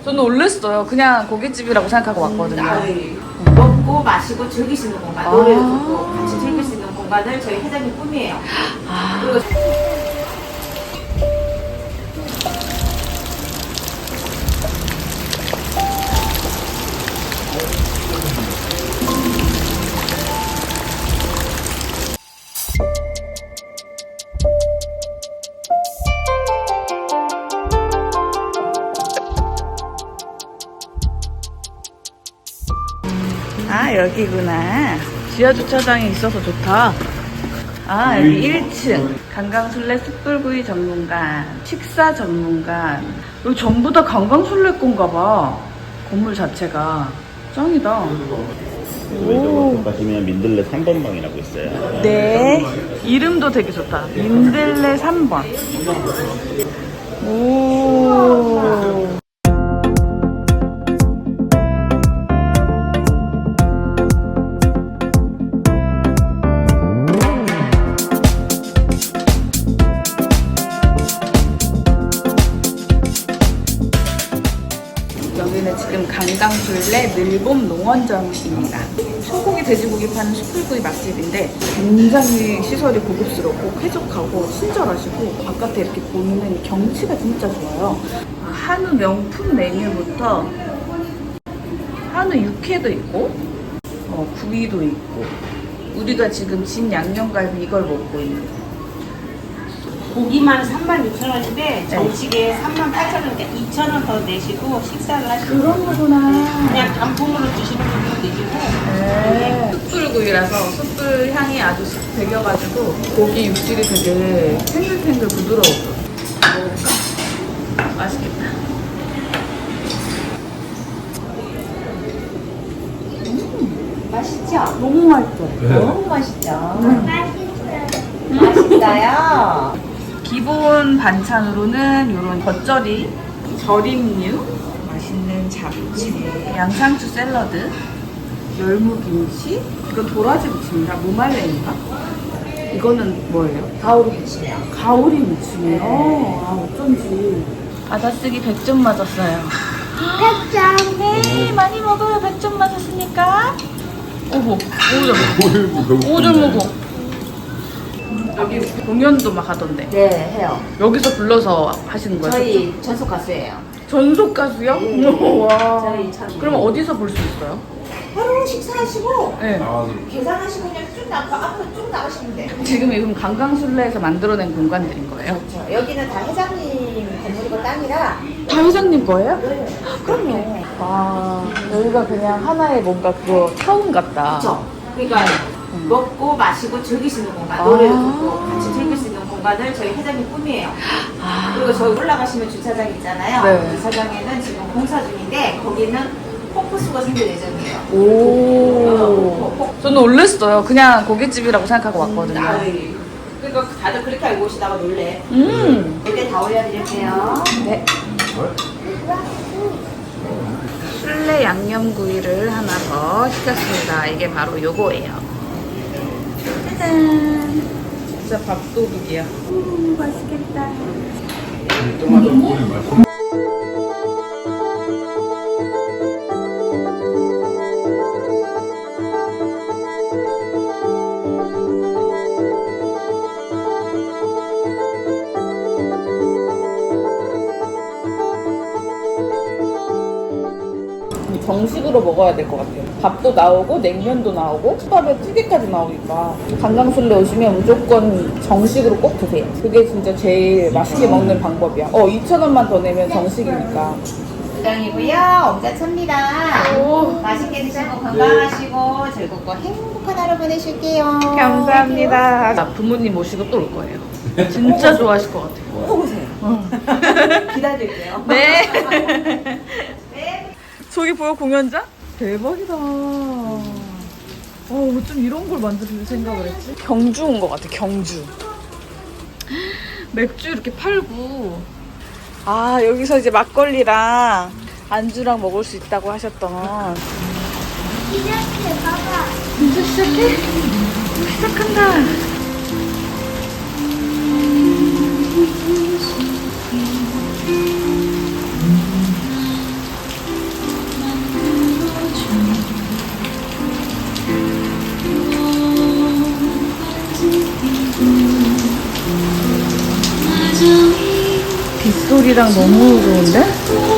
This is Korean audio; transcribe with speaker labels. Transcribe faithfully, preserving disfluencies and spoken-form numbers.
Speaker 1: 저는 놀랬어요. 그냥 고깃집이라고 생각하고 왔거든요.
Speaker 2: 음, 먹고 마시고 즐길 수 있는 공간,
Speaker 1: 아.
Speaker 2: 노래를 듣고 같이 즐길 수 있는 공간을 저희 회장님 꿈이에요.
Speaker 1: 아.
Speaker 2: 그리고
Speaker 1: 아, 여기구나. 지하 주차장이 있어서 좋다. 아, 여기 일 층. 강강술래 숯불구이 전문관, 식사 전문관. 여기 전부 다 강강술래 건가 봐. 건물 자체가. 짱이다.
Speaker 3: 왼쪽으로 가시면 민들레 삼 번 방이라고 있어요.
Speaker 1: 네. 이름도 되게 좋다. 민들레 삼 번. 오. 여기는 지금 강강술래 밀봄 농원점입니다. 소고기, 돼지고기 파는 숯불구이 맛집인데 굉장히 시설이 고급스럽고 쾌적하고 친절하시고 바깥에 이렇게 보이는 경치가 진짜 좋아요. 한우 명품 메뉴부터 한우 육회도 있고 어, 구이도 있고 우리가 지금 진 양념갈비 이걸 먹고 있는
Speaker 2: 고기만 삼만 육천 원인데 정식에 삼만 팔천 원인데 이천 원 더 내시고 식사를 하시면
Speaker 1: 그런 거구나.
Speaker 2: 그냥 단품으로 드시는 분도 계시고
Speaker 1: 네. 숯불구이라서 숯불 향이 아주 싹 배겨가지고 고기 육질이 되게 탱글탱글 부드러워. 먹어볼까? 맛있겠다. 음,
Speaker 2: 맛있죠?
Speaker 1: 너무 맛있어.
Speaker 2: 너무 맛있죠? 맛있어요?
Speaker 1: 기본 반찬으로는 이런 겉절이, 절임류, 맛있는 잡채, 양상추 샐러드, 열무김치, 이건 도라지 무침인가? 무말랭인가? 이거는 뭐예요?
Speaker 2: 가오리 무침이요.
Speaker 1: 가오리 무침이요? 아, 어쩐지. 받아쓰기 백 점 맞았어요. 백 점! 네, 많이 먹어요. 백 점 맞았으니까. 오호, 오 점. 오 점 먹어. 여기 공연도 막 하던데.
Speaker 2: 네, 해요.
Speaker 1: 여기서 불러서 하시는 거예요?
Speaker 2: 저희 전속 가수예요.
Speaker 1: 전속 가수요?
Speaker 2: 네.
Speaker 1: 와.
Speaker 2: 저희 전-
Speaker 1: 그럼 어디서 볼 수 있어요?
Speaker 2: 하루 식사하시고
Speaker 1: 네.
Speaker 2: 계산하시고 그냥 쭉 나가 앞으로 쭉 나가시면 돼요.
Speaker 1: 지금 이건 강강술래에서 만들어낸 공간들인 거예요?
Speaker 2: 그렇죠. 여기는 다 회장님 건물이고 땅이라
Speaker 1: 다 회장님 거예요?
Speaker 2: 네.
Speaker 1: 그럼요. 와, 여기가 그냥 하나의 뭔가 그거 타운 같다.
Speaker 2: 그렇죠. 그러니까 먹고 마시고 즐길 수 있는 공간,
Speaker 1: 아.
Speaker 2: 노래를 듣고 같이 즐길 수 있는 공간을 저희 회장님 꿈이에요.
Speaker 1: 아.
Speaker 2: 그리고 저기 올라가시면 주차장 있잖아요.
Speaker 1: 네.
Speaker 2: 주차장에는 지금 공사 중인데 거기는 폭포수가 생길 예정이에요.
Speaker 1: 오. 저는 놀랬어요. 그냥 고깃집이라고 생각하고 왔거든요.
Speaker 2: 아이, 그러니까 다들 그렇게 알고 오시다가 놀래.
Speaker 1: 음.
Speaker 2: 이때 다 올려드릴게요.
Speaker 1: 네. 술래 양념구이를 하나 더 시켰습니다. 이게 바로 요거예요. 짜잔. 진짜 밥도둑이야. 음, 맛있겠다. 정식으로 먹어야 될 것 같아요. 밥도 나오고 냉면도 나오고 수밥에 찌개까지 나오니까 강강술래 오시면 무조건 정식으로 꼭 드세요. 그게 진짜 제일 맛있게 먹는 방법이야. 어, 이천 원만 더 내면 정식이니까.
Speaker 2: 부장이고요. 엄자차입니다.
Speaker 1: 오.
Speaker 2: 맛있게 드시고 건강하시고 즐겁고 행복한 하루 보내실게요.
Speaker 1: 감사합니다. 나 부모님 모시고 또 올 거예요. 진짜 좋아하실 것 같아요.
Speaker 2: 꼭 오세요. 기다릴게요.
Speaker 1: 네.
Speaker 2: 네.
Speaker 1: 저기 보여, 공연장? 대박이다. 어, 어쩜 이런 걸 만들 생각을 했지? 경주 온 것 같아, 경주. 맥주 이렇게 팔고. 아, 여기서 이제 막걸리랑 안주랑 먹을 수 있다고 하셨던.
Speaker 4: 시작해, 봐봐.
Speaker 1: 이제 시작해? 시작한다. 빗소리랑 너무 좋은데?